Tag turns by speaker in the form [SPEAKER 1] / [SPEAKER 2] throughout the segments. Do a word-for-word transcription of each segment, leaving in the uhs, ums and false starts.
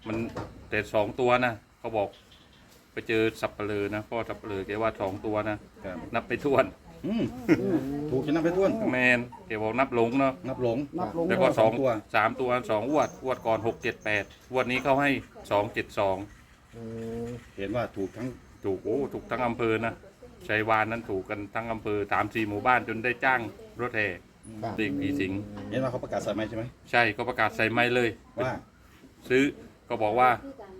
[SPEAKER 1] มันแต่สองตัวนะเขาบอกไปเจอสับเปลือนะพ่อสับเปลือแกว่าสองตัวนะนับไปท้วน
[SPEAKER 2] อืมถูกจะนับไปท้วน
[SPEAKER 1] แมนแกบอกนับหลงเนาะ
[SPEAKER 2] นับหลง
[SPEAKER 3] นับลง
[SPEAKER 1] แล้วก็สอง
[SPEAKER 2] ตัว
[SPEAKER 1] สามตัวสองอวดอวดก่อนหกเจ็ดแปดอวดนี้เขาให้สองเจ็ดสอง
[SPEAKER 2] เห็นว่าถูกทั้ง
[SPEAKER 1] ถูกโอ้ถูกทั้งอำเภอนะชัยวานนั้นถูกกันทั้งอำเภอสามสี่หมู่บ้านจนได้จ้างรถแห่เด็กผีสิง
[SPEAKER 2] เห็นว่าเขาประกาศใส่ไหมใช่ไหม
[SPEAKER 1] ใช่ก็ประกาศใส่ไม้เลย
[SPEAKER 2] ว่า
[SPEAKER 1] ซื้อก็บอกว่า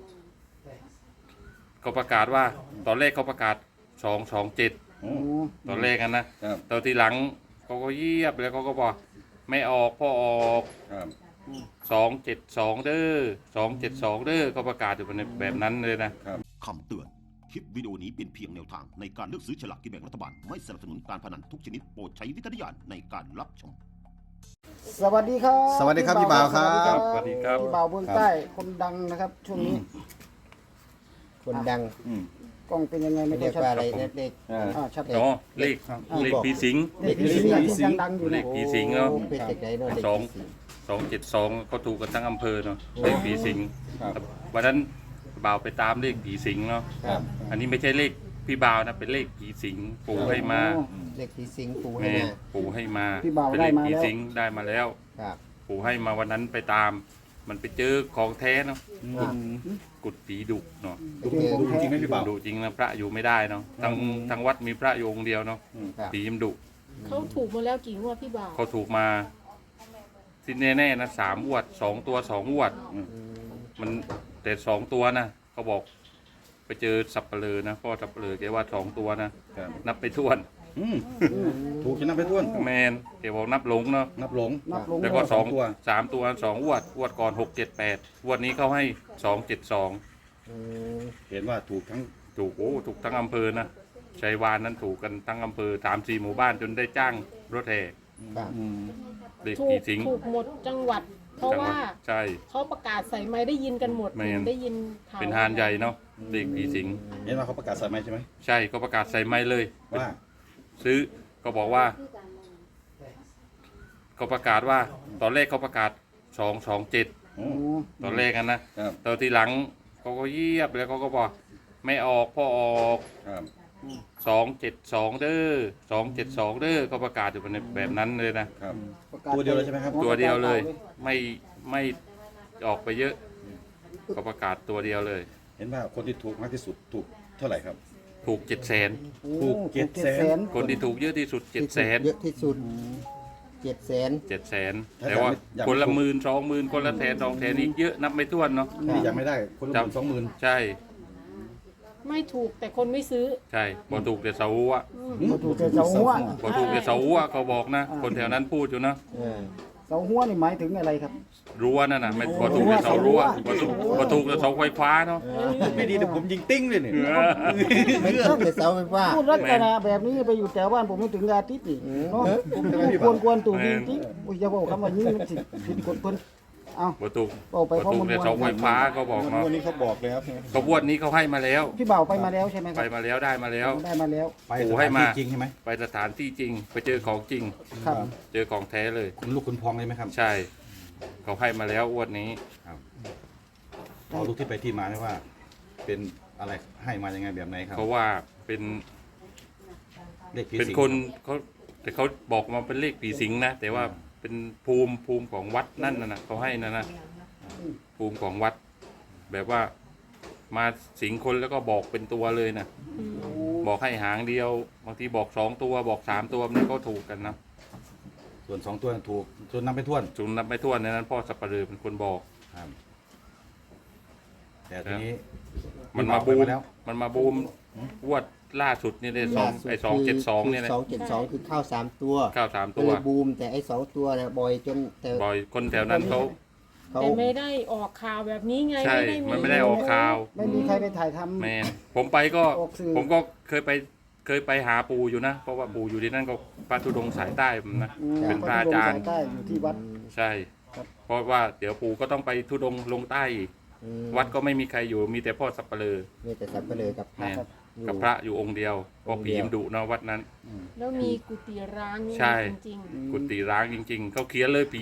[SPEAKER 1] ก็ประกาศว่าตอนแรกเขาประกาศสองสองเจ็ด
[SPEAKER 2] โอ้
[SPEAKER 1] ตอนแรกกันนะครับ ตอนที่หลังเขาก็เยียบแล้วเขาก็บอกไม่ออกพ่อออก
[SPEAKER 2] ครับ
[SPEAKER 1] สองเจ็ดสองเด้อสองเจ็ดสองเด้อก็ประกาศอยู่แบบนั้นเลยนะ
[SPEAKER 4] คำเตือน คลิปวิดีโอนี้เป็นเพียงแนวทางในการเลือกซื้อฉลากกินแบ่งรัฐบาล ไม่สนับสนุนการพนันทุกชนิดโปรดใช้วิจารณญาณในการรับชม
[SPEAKER 3] สวัสดีครับ
[SPEAKER 2] สวัสดีครับพี่บ่าวครับ
[SPEAKER 1] สวัสดีครับ
[SPEAKER 3] พี่บ่าวเบื้องใต้คนดังนะครับ ช่วงนี้
[SPEAKER 5] คนดัง
[SPEAKER 2] อืม
[SPEAKER 3] กล้องเป็นยังไงไม่
[SPEAKER 5] เรี
[SPEAKER 3] ได้
[SPEAKER 5] ยก
[SPEAKER 3] ชัด
[SPEAKER 5] ว่าอะไรนะเด็ก
[SPEAKER 2] อ่า
[SPEAKER 3] อ่าชัด
[SPEAKER 1] อ๋อเลขเลขผีสิง
[SPEAKER 3] เด็กผีสิงที่ยังดังอยู่
[SPEAKER 1] เล
[SPEAKER 3] นะ
[SPEAKER 1] ขผีสิงเนาะ
[SPEAKER 5] เป็นเด็กไหนเนาะเด็ก
[SPEAKER 1] สอง
[SPEAKER 5] ผีสิง
[SPEAKER 1] สองเจ็ดสองก็ถูกกันทั้งอำเภอเนาะเลขผีสิง
[SPEAKER 2] ครับ
[SPEAKER 1] วันนั้นบ่าวไปตามเลขผีสิงเนาะ
[SPEAKER 2] ครับ
[SPEAKER 1] อันนี้ไม่ใช่เลขพี่บ่าวนะเป็นเลขผีสิงปู่ให้มา
[SPEAKER 3] โอ้
[SPEAKER 5] เด็กผีสิงปูให้
[SPEAKER 1] แม่
[SPEAKER 5] มา
[SPEAKER 1] ปู่ให้มา
[SPEAKER 3] พี่บ่าว
[SPEAKER 1] เป็น
[SPEAKER 3] ได้
[SPEAKER 1] เลข
[SPEAKER 3] มา
[SPEAKER 1] ผี
[SPEAKER 3] แล้ว
[SPEAKER 1] สิงได้มาแล้ว
[SPEAKER 5] ครับ
[SPEAKER 1] ปู่ให้มาวันนั้นไปตาม มันไปเจอของแท้เนาะ
[SPEAKER 5] อ่า
[SPEAKER 1] กุดผีดุเนาะ
[SPEAKER 2] ดูดูจริงไหมพี่บ่าว
[SPEAKER 1] ดุจริงนะพระอยู่ไม่ได้เนาะทางทางวัดมีพระอยู่องค์เดียวเนาะ
[SPEAKER 5] ครับ
[SPEAKER 1] ผีมันดุ
[SPEAKER 6] เขาถูกมาแล้วกี่งวดพี่บ่าว
[SPEAKER 1] เขาถูกมาที่แน่ๆนะสามอวดสองตัวสองอวด มันแต่สองตัวนะเขาบอกไปเจอสับเปลือนะพ่อสับเปลือแกว่าสองตัวนะครับ นับไปท้วน
[SPEAKER 2] อืมถูกจะนับไปท้วน
[SPEAKER 1] แมนแกบอกนับหลงเนาะ
[SPEAKER 2] นับหลง
[SPEAKER 3] นับลง
[SPEAKER 1] แล้วก็สอง
[SPEAKER 2] ตัว
[SPEAKER 1] สามตัวสองอวดอวดก่อนหกเจ็ดแปดอวดนี้เขาให้สองเจ็ดสอง
[SPEAKER 5] อืม
[SPEAKER 2] เห็นว่าถูกทั้ง
[SPEAKER 1] ถูกโอ้ถูกทั้งอำเภอนะชัยวานนั้นถูกกันทั้งอำเภอสามสี่หมู่บ้านจนได้จ้างรถแห่
[SPEAKER 5] ครับ
[SPEAKER 2] อืม
[SPEAKER 1] เด็ก
[SPEAKER 6] ถู
[SPEAKER 1] ผี
[SPEAKER 6] ก
[SPEAKER 1] สิง
[SPEAKER 6] ถูกหมดจังหวัด เพราะ
[SPEAKER 1] จังห
[SPEAKER 6] ว่า
[SPEAKER 1] วัดใช่
[SPEAKER 6] เขาประกาศใส่ไม้ได้ยินกันหมด
[SPEAKER 1] แม่น
[SPEAKER 6] ได้ยินข่าว
[SPEAKER 1] เป็นฮานใหญ่เนาะเด็กผีสิง
[SPEAKER 2] เห็นว่าเขาประกาศใส่ไหมใช่ไหม
[SPEAKER 1] ใช่ก็ประกาศใส่ไม้เลย
[SPEAKER 2] ว่า
[SPEAKER 1] ซื้อก็บอกว่าก็ประกาศว่า ตอนแรกเขาประกาศสองสองเจ็ด
[SPEAKER 2] โอ้
[SPEAKER 1] ตอนแรกกันนะครับ ตอนที่หลังเขาก็เยียบแล้วเขาก็บอกไม่ออกพ่อออก
[SPEAKER 2] ครับ
[SPEAKER 1] สองเจ็ดสองเด้อสองเจ็ดสองเด้อก็ประกาศอยู่แบบนั้นเลยนะครับ
[SPEAKER 3] ประกาศ
[SPEAKER 2] ตัวเดียวเลยใช่ไหมครับ
[SPEAKER 1] ตัวเดียวเลยไม่ไม่ออกไปเยอะ ก็ประกาศตัวเดียวเลย
[SPEAKER 2] เห็นว่าคนที่ถูกมากที่สุดถูกเท่าไหร่ครับ
[SPEAKER 1] ถูกเจ็ดแสน
[SPEAKER 3] โอ้
[SPEAKER 2] ถูกเจ็ดแสน
[SPEAKER 1] คนที่ถูกเยอะที่สุดเจ็ดแสน
[SPEAKER 5] เยอะที่สุดเจ็ดแสน
[SPEAKER 1] เจ็ดแสนแต่ว่าคนละหมื่นสองหมื่นคนละแสนสองแสนนี่เยอะนับไม่ถ้วนเนาะ
[SPEAKER 2] นี่ยังไม่ได้คนละหมื่นสองหมื่น
[SPEAKER 1] ใช่
[SPEAKER 6] ไม่ถูกแต่คนไม่ซื้อ
[SPEAKER 1] ใช่พอถูกแต่เสาหัว
[SPEAKER 3] มาถูกแต่เสาหัว
[SPEAKER 1] พอถูกแต่เสาหัวเขาบอกนะ คนแถวนั้นพูดอยู่นะ
[SPEAKER 5] เออ
[SPEAKER 3] เสาหัวนี่หมายถึงอะไรครับ
[SPEAKER 1] รั้วนั่นน่ะไม่พอถูกแต่เสารั้วพอถูกพอถูกแต่เสาไฟฟ้าเนาะ
[SPEAKER 2] ไม่ดีแต่ผมยิงติ้งเลยเนี่ย
[SPEAKER 5] ไม่ต้องแต่เสาไฟฟ้า
[SPEAKER 3] พูดลักษณะแบบนี้ไปอยู่แถวบ้านผมไม่ถึงอาทิตย์นี่เนาะควรควรตู่จริงๆอุ้ยอย่าบอกคำว่านี้มันสิผิดกฎเพิ่นเอา
[SPEAKER 1] พอถูก
[SPEAKER 3] เอาไป
[SPEAKER 1] พอ
[SPEAKER 3] ข้อ
[SPEAKER 1] ถู
[SPEAKER 3] มู
[SPEAKER 1] ก
[SPEAKER 3] ล
[SPEAKER 1] แต่เสาไฟฟ้าเขาบอกเนาะ
[SPEAKER 2] วันนี้เขาบอกแล้วใช่ไหม
[SPEAKER 1] ขบวนนี้เขาให้มาแล้ว
[SPEAKER 3] พี่บ่าวไปมาแล้วใช่ไหมค
[SPEAKER 1] ไป
[SPEAKER 3] รับ
[SPEAKER 1] มาแล้วได้มาแล้ว
[SPEAKER 3] ได้มาแล้ว
[SPEAKER 2] ไป
[SPEAKER 1] โอ้
[SPEAKER 2] ส
[SPEAKER 1] ให้
[SPEAKER 2] ถาน
[SPEAKER 1] มา
[SPEAKER 2] ที่จริงใช่ไหม
[SPEAKER 1] ไปสถานที่จริง ไปเจอของจริง
[SPEAKER 3] ครับ
[SPEAKER 1] เจอของแท้เลย
[SPEAKER 2] คุณลูกคุณพองเลยไหมครับ
[SPEAKER 1] ใช่ เขาให้มาแล้วอ้วนนี้
[SPEAKER 2] เอาลูกที่ไปที่มาไหมว่า เป็นอะไรให้มายังไงแบบไหนครับ
[SPEAKER 1] เพราะว่าเป็น
[SPEAKER 2] เลขผี
[SPEAKER 1] เป็น
[SPEAKER 2] สิง
[SPEAKER 1] คนเขาแต่เขาบอกมาเป็นเลขผีสิงนะแต่ว่าเป็นภูมิภูมิของวัดนั่นนะนะเขาให้นะนะภูมิของวัด แบบว่ามาสิงคนแล้วก็บอกเป็นตัวเลยนะบอกให้หางเดียวบางทีบอกสองตัวบอกสามตัวมันก็ถูกกันนะ
[SPEAKER 2] ส่วนสองตัวถูกส่วนนับไปท้วน
[SPEAKER 1] จุนนับไม่ถ้วนในนั้นพ่อสับปะเรือเป็นคนบอก
[SPEAKER 2] ครับแต่ทีนี้
[SPEAKER 1] มันมาบูม
[SPEAKER 2] ไปแล้ว
[SPEAKER 1] มันมาบูมวดล่าสุดนี่เลยสองไอ้สองเจ็ดสองเนี่ยนะ
[SPEAKER 5] สองเจ็ดสองคือข้าวสามตัว
[SPEAKER 1] ข้าวสาม
[SPEAKER 5] ก็
[SPEAKER 1] ตัว
[SPEAKER 5] เลยบูมแต่ไอ้สองตัวเนี่ยบ่อยจนแต่
[SPEAKER 1] บ่อยคนแถวนั้นเขา
[SPEAKER 5] เขา
[SPEAKER 6] แต่ไม่ได้ออกข่าวแบบนี้ไง
[SPEAKER 1] ใช่
[SPEAKER 6] ไม่ได้มี
[SPEAKER 1] มันไม่ได้ออกข่าว
[SPEAKER 3] ไม่มีใครไปถ่ายทำ
[SPEAKER 1] แมนผมไปก็
[SPEAKER 3] ออกสื่อ
[SPEAKER 1] ผมก็เคยไปเคยไปหาปู่อยู่นะ เพราะว่าปู่อยู่ที่นั่นก็พระธุดงค์สายใต้ผมนะ
[SPEAKER 3] อืม
[SPEAKER 1] เป็นพระอาจารย์
[SPEAKER 3] สใต้อยู่ที่วัด
[SPEAKER 1] ใช่
[SPEAKER 3] ครับ
[SPEAKER 1] เพราะว่าเดี๋ยวปู่ก็ต้องไปธุดงค์ลงใต้อีก
[SPEAKER 5] อืม
[SPEAKER 1] วัดก็ไม่มีใครอยู่มีแต่พ่อสับปะเลอ
[SPEAKER 5] มีแต่สับเปลือกับพ
[SPEAKER 1] แม
[SPEAKER 5] ระ
[SPEAKER 1] น
[SPEAKER 5] อยู่
[SPEAKER 1] กับพระอยู่องค์เดียวเพราะผีมนดุเนาะวัดนั้น
[SPEAKER 6] แล้วมีกุฏิร้างนี่
[SPEAKER 1] ใช่
[SPEAKER 6] จริง
[SPEAKER 1] กุฏิร้างจริง ๆเขาเขียนเลยผีดุ
[SPEAKER 5] อ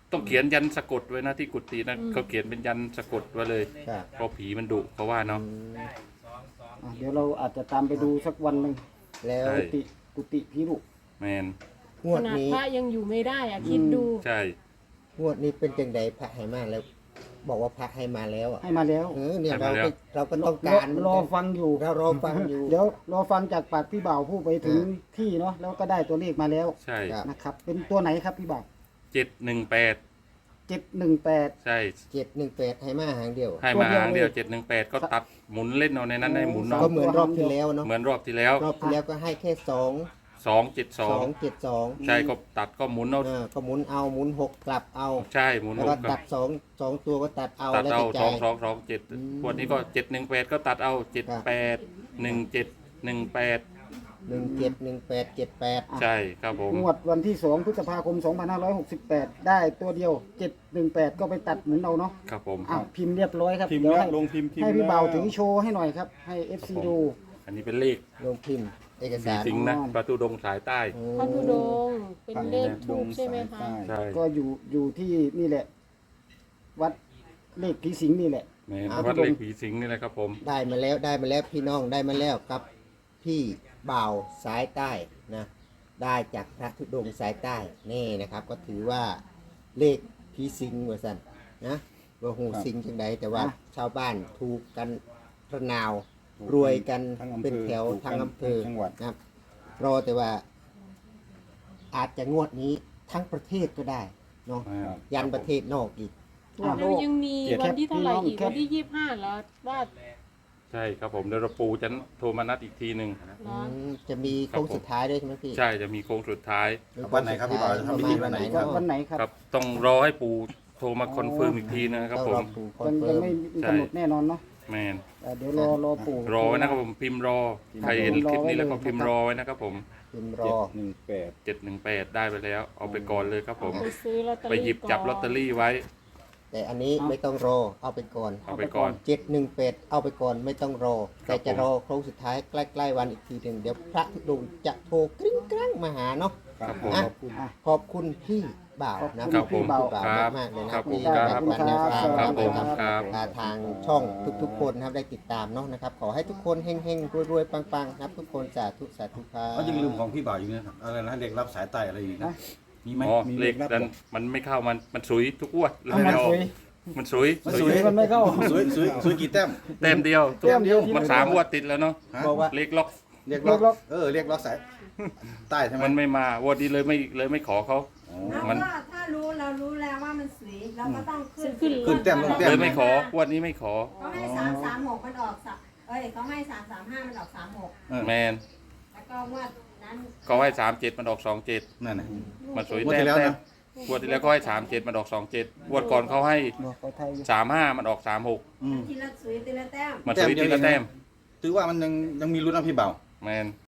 [SPEAKER 1] ต้องเขียนยันสะกดไว้นะที่กุฏินะเขาเขียนเป็นยันสะกดไว้เลย
[SPEAKER 5] ครับ
[SPEAKER 1] เพราะผีมันดุเขาว่าเนาะ
[SPEAKER 3] อ่ะเดี๋ยวเราอาจจะตามไปดูสักวันหนึ่ง
[SPEAKER 5] แล้ว
[SPEAKER 1] ใช่
[SPEAKER 3] กุฏิกุฏิผีดุ
[SPEAKER 1] แมน
[SPEAKER 5] งว
[SPEAKER 6] ข
[SPEAKER 5] ด
[SPEAKER 6] นาด
[SPEAKER 5] นี้
[SPEAKER 6] พระยังอยู่ไม่ได้อะคิดดู
[SPEAKER 1] ใช่
[SPEAKER 5] งวดนี้เป็นจังใดพระให้มาแล้ว บอกว่าพระให้มาแล้วอ่ะ
[SPEAKER 3] ให้มาแล้ว
[SPEAKER 5] เออเนี่ย
[SPEAKER 1] ให้
[SPEAKER 5] เรา
[SPEAKER 1] มาแล้ว
[SPEAKER 5] ก็เราก็ต้อง
[SPEAKER 3] รอ
[SPEAKER 5] การเหมือน
[SPEAKER 3] รอ
[SPEAKER 5] กัน
[SPEAKER 3] ฟังอยู่
[SPEAKER 5] เรารอฟังอยู่
[SPEAKER 3] เดี๋ยวรอฟังจากปากพี่บ่าวผู้ไปถึงที่เนาะแล้วก็ได้ตัวเลขมาแล้ว
[SPEAKER 1] ใช่
[SPEAKER 5] ครับ
[SPEAKER 3] นะครับ เป็นตัวไหนครับพี่บ่าว
[SPEAKER 1] เจ็ดหนึ่งแปด
[SPEAKER 3] เจ็ดหนึ่งแปด
[SPEAKER 1] ใช่
[SPEAKER 5] เจ็ดหนึ่งแปดให้มาหางเดียว
[SPEAKER 1] ให้มาหางเดียวเจ็ดหนึ่งแปดก็ตัดหมุนเล่นเอาในนั้นให้หมุน
[SPEAKER 3] ส
[SPEAKER 1] เอา
[SPEAKER 5] ก็เหมือนรอบที่แล้วเนาะ
[SPEAKER 1] เหมือนรอบที่แล้ว
[SPEAKER 5] รอบที่แล้วก็ให้แค่สอง
[SPEAKER 1] สองเจ็ดสอ
[SPEAKER 5] สอง งเจ็ดสอง
[SPEAKER 1] ใช่ก็ตัดก็หมุนเอา
[SPEAKER 5] เออก็หมุนเอาหมุนหกกลับเอา
[SPEAKER 1] ใช่หมุน
[SPEAKER 5] แล้ว
[SPEAKER 1] ห
[SPEAKER 5] ก็
[SPEAKER 1] ก
[SPEAKER 5] ตัดสองสองตัวก็ตัดเอา
[SPEAKER 1] ตัด
[SPEAKER 5] แล้ว
[SPEAKER 1] เอา
[SPEAKER 5] แต่ใจ
[SPEAKER 1] สองสองสองเจ็ด
[SPEAKER 5] อืม
[SPEAKER 1] วันนี้ก็เจ็ดหนึ่งแปดก็ตัดเอาเจ็ดแปดหนึ่งเจ็ดหนึ่งแปด
[SPEAKER 5] หนึ่งเจ็ดหนึ่งแปดเจ็ดแปด
[SPEAKER 1] ใช่ครับผม
[SPEAKER 3] งวดวันที่สองพฤษภาคมสองพันห้าร้อยหกสิบแปดได้ตัวเดียวเจ็ดหนึ่งแปดก็ไปตัดหมุนเอาเนาะ
[SPEAKER 1] ครับผม
[SPEAKER 3] อ่ะพิมพ์เรียบร้อยครับ
[SPEAKER 2] พิมพ์
[SPEAKER 3] เดี๋ยว
[SPEAKER 2] แล้ว
[SPEAKER 3] ให้
[SPEAKER 2] ลงพิมพ์พิมพ์
[SPEAKER 3] ให้พี่
[SPEAKER 2] แล้ว
[SPEAKER 3] บ่าวถือโชว์ให้หน่อยครับ ให้ เอฟ ซี
[SPEAKER 1] ครับผม
[SPEAKER 3] ดู
[SPEAKER 1] อันนี้เป็นเลข
[SPEAKER 5] ลงพิมพ์เอก
[SPEAKER 1] ผี
[SPEAKER 5] สาร
[SPEAKER 1] สิงนะประตูดงสายใต้
[SPEAKER 5] อืม
[SPEAKER 6] พระธุดงค์เป็นเลขทูปใช่ไหมคะ
[SPEAKER 1] ใช่
[SPEAKER 3] ก็อยู่อยู่ที่นี่แหละ วัดเลขผีสิงนี่แหละ
[SPEAKER 1] แม่นวัดเลขผีสิงนี่แหละครับผม
[SPEAKER 5] ได้มาแล้วได้มาแล้วพี่น้องได้มาแล้วกับพี่บ่าวสายใต้นะได้จากพระธุดงค์สายใต้นี่นะครับ ก็ถือว่าเลขผีสิงว่าสันนะว่าหูสิงจังใดแต่ว่า
[SPEAKER 3] อ่ะ
[SPEAKER 5] ชาวบ้านถูกกันระนาว รวยกัน
[SPEAKER 2] ทั้งอำเภอ
[SPEAKER 5] เป็นแถว
[SPEAKER 2] ถูกกัน
[SPEAKER 5] ทั้งอำเภอ
[SPEAKER 2] ทั้งจังหวัด
[SPEAKER 5] นะครับ รอแต่ว่า อาจจะงวดนี้ทั้งประเทศก็ได้เนาะ
[SPEAKER 1] อ่า
[SPEAKER 5] ยันประเทศนอกอีก
[SPEAKER 3] อ่ะ
[SPEAKER 6] แล้วยังมี
[SPEAKER 2] เจ็ด
[SPEAKER 6] วันที่เท่าไหร่อีก
[SPEAKER 3] แคป
[SPEAKER 6] วันที่ยี่สิบห้าแล้วว่า
[SPEAKER 1] ใช่ครับผมเดี๋ยวเราปูจะโทรมานัดอีกทีหนึ่ง
[SPEAKER 6] เนาะ
[SPEAKER 5] อืมจะมีโค้งสุดท้ายด้วยใช่ไหมพี่
[SPEAKER 1] ใช่จะมีโค้งสุดท้าย
[SPEAKER 2] วันไหนครับพี่บ่าวจะทำพิธีวันไหนครับ
[SPEAKER 3] วันไหนครับ
[SPEAKER 1] ครับ ต้องรอให้ปูโทรมาคอนเฟิร์มอีกทีนะครับ
[SPEAKER 5] ต้อง
[SPEAKER 1] ผ
[SPEAKER 5] รอ
[SPEAKER 1] ม
[SPEAKER 5] ปู่คอ
[SPEAKER 3] ยั
[SPEAKER 5] น
[SPEAKER 3] ง
[SPEAKER 5] เฟิ
[SPEAKER 3] ยัง
[SPEAKER 5] ร์ม
[SPEAKER 3] ไม่มีกำหนดแน่นอนเนาะ
[SPEAKER 1] แมน
[SPEAKER 3] เอ่อเดี๋ยวรอรอปู่
[SPEAKER 1] รอไว้นะครับผมพิมพ์รอใครเห็นคลิปนี้แล้วก็พิมพ์รอไว้นะครับผม
[SPEAKER 5] พิมพ์ร
[SPEAKER 2] เจ็
[SPEAKER 5] อ
[SPEAKER 2] ดหนึ่งแปด
[SPEAKER 1] เจ็ดหนึ่งแปดได้ไปแล้ว เอาไปก่อนเลยครับผม
[SPEAKER 6] ไปซื้อลอตเตอ
[SPEAKER 1] ไป
[SPEAKER 6] รี่
[SPEAKER 1] หยิบจับลอตเตอรี่ไว้
[SPEAKER 5] แต่อันนี้ไม่ต้องรอเอาไปก่อน
[SPEAKER 1] เอาไปก่อน
[SPEAKER 5] เจ็ดหนึ่งเป็ดเอาไปก่อนไม่ต้องรอ
[SPEAKER 1] ครั
[SPEAKER 5] แต่
[SPEAKER 1] บ
[SPEAKER 5] จะ
[SPEAKER 1] ผม
[SPEAKER 5] รอโค้งสุดท้ายใกล้ๆวันอีกทีหนึ่งเดี๋ยวพระธุดงค์จะโทรกริ้งกรังมาหาเนาะ
[SPEAKER 2] ครับผม
[SPEAKER 5] อ่ะ
[SPEAKER 2] ขอบคุณ
[SPEAKER 3] อ่ะ
[SPEAKER 5] ขอบคุณพี่บ่าวนะ
[SPEAKER 3] ขอบคุณ
[SPEAKER 5] ขอบ
[SPEAKER 3] พี่บ่าว
[SPEAKER 5] พี่บ่าว
[SPEAKER 1] ครับ
[SPEAKER 5] มากๆเลยนะ
[SPEAKER 1] ครับ
[SPEAKER 5] ที่
[SPEAKER 1] ผมครับ
[SPEAKER 5] แบ่งปันแนวทาง
[SPEAKER 1] ครับผม
[SPEAKER 5] นะ
[SPEAKER 1] ครับ
[SPEAKER 5] อ่าทางช่องทุกๆคนนะครับได้ติดตามเนาะนะครับ ขอให้ทุกคนเฮงๆรวยๆปังๆนะครับทุกคนสาธุสาธุครับ
[SPEAKER 2] ก็ยังลืมของพี่บ่าวอยู่นะครับอะไรนะเด็กรับสายใต้อะไรอีกนะมีไหม
[SPEAKER 1] อ๋อ
[SPEAKER 2] มี
[SPEAKER 1] เลข
[SPEAKER 2] รับ
[SPEAKER 1] นั้น
[SPEAKER 2] บอก
[SPEAKER 1] มันไม่เข้ามันมันสุยทุกงวดเลย
[SPEAKER 3] เอามัน
[SPEAKER 1] ไม่ออก
[SPEAKER 3] สุย
[SPEAKER 1] มันสุย
[SPEAKER 2] มัน
[SPEAKER 3] สุ
[SPEAKER 2] สุ
[SPEAKER 3] ย
[SPEAKER 2] ย
[SPEAKER 3] มันไม่เข้า
[SPEAKER 2] สวยสวยสวยกี่แต้ม
[SPEAKER 1] แต้มเดียว
[SPEAKER 3] แต้มเดียว
[SPEAKER 1] มันสามงวดติดแล้วเนาะ
[SPEAKER 2] ฮะ
[SPEAKER 5] บอกว่า
[SPEAKER 1] เลขล็อก
[SPEAKER 2] เรียกล็อก
[SPEAKER 3] เรียกล็อก
[SPEAKER 2] เออเรียกล็อกสายใต้ใช่ไหม
[SPEAKER 1] มันไม่มาวันนี้เลยไม่เลยไม่ขอเขา
[SPEAKER 2] อ๋อ
[SPEAKER 7] แล้ว
[SPEAKER 1] มัน
[SPEAKER 7] ก็ถ้ารู้เรารู้แล้วว่ามันสวยเราก็ต้องขึ้น
[SPEAKER 6] ขึ้น
[SPEAKER 2] ขึ้นแต้มลงแต้
[SPEAKER 1] เลยไม่ขอวันนี้ไม่ขอ
[SPEAKER 7] เขาให้สามสามหกมันออกสักเอ้ยเขาให้สามสามห้ามันออกสามหก
[SPEAKER 2] เออ
[SPEAKER 1] แมน
[SPEAKER 7] แล้วก็งวดนั้น
[SPEAKER 1] ก็ให้สามเจ็ดมันออกสองเจ็ด
[SPEAKER 2] นั่นน่ะ
[SPEAKER 1] มันสวย
[SPEAKER 2] งวด
[SPEAKER 1] แต้
[SPEAKER 2] ที่
[SPEAKER 1] ม
[SPEAKER 2] แล้ว
[SPEAKER 1] แต้
[SPEAKER 2] นะ
[SPEAKER 1] มงวดที่แล้วก็ให้สามเจ็ดมันออกสองเจ็ดงวดก่อนเขาให้
[SPEAKER 3] บอกเขาไทยอยู่
[SPEAKER 1] สามห้ามันออกสามหก
[SPEAKER 2] อืม
[SPEAKER 7] ทีละสวยทีละแต้ม
[SPEAKER 1] มันสวยทีละแต้ม
[SPEAKER 2] ถือว่ามันยังยังมีลุ้นนะพี่บ่าว
[SPEAKER 1] แมน